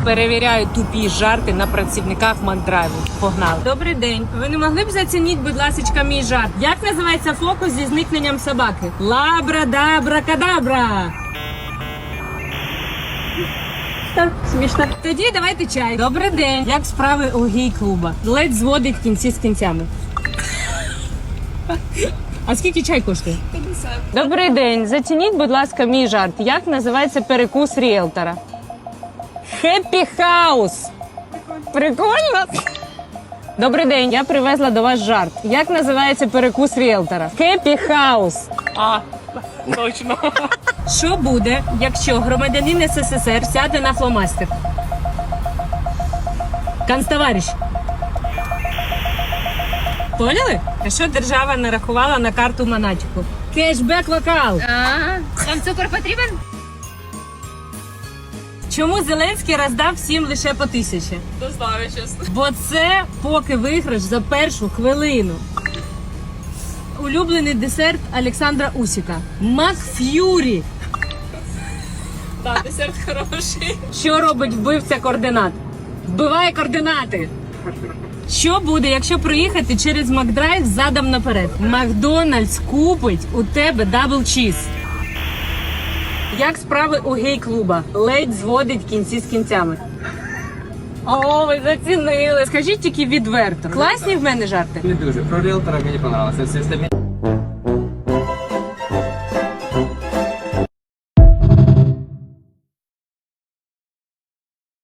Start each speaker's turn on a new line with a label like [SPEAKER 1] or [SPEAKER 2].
[SPEAKER 1] Перевіряю тупі жарти на працівниках Макдрайву. Погнали. Добрий день. Ви не могли б зацініть, будь ласка, мій жарт? Як називається фокус зі зникненням собаки? Лабрадабракадабра. Так, смішно. Тоді давайте чай. Добрий день. Як справи у гей-клуба? Ледь зводить кінці з кінцями. А скільки чай коштує? 50. Добрий день. Зацініть, будь ласка, мій жарт. Як називається перекус ріелтора? Хеппі хаус. Прикольно? Добрий день. Я привезла до вас жарт. Як називається перекус ріелтора? Хеппі хаус.
[SPEAKER 2] Точно.
[SPEAKER 1] Що буде, якщо громадянин СССР сяде на фломастер? Канцтовариш. Поняли? А що держава нарахувала на карту Монатіку? Кешбек вокал.
[SPEAKER 3] Там цукор потрібен?
[SPEAKER 1] Чому Зеленський роздав всім лише по 1000?
[SPEAKER 2] Не знаю, чесно.
[SPEAKER 1] Бо це поки виграш за першу хвилину. Улюблений десерт Олександра Усіка. Макф'юрі.
[SPEAKER 2] Так, десерт хороший.
[SPEAKER 1] Що робить вбивця координат? Вбиває координати. Що буде, якщо проїхати через Макдрайв задом наперед? Макдональдс купить у тебе дабл чіз. Як справи у гей-клуба? Ледь зводить кінці з кінцями. О, ви зацінили. Скажіть тільки відверто. Класні в мене жарти?
[SPEAKER 4] Не дуже. Про ріелтора мені понравилося. Все остальне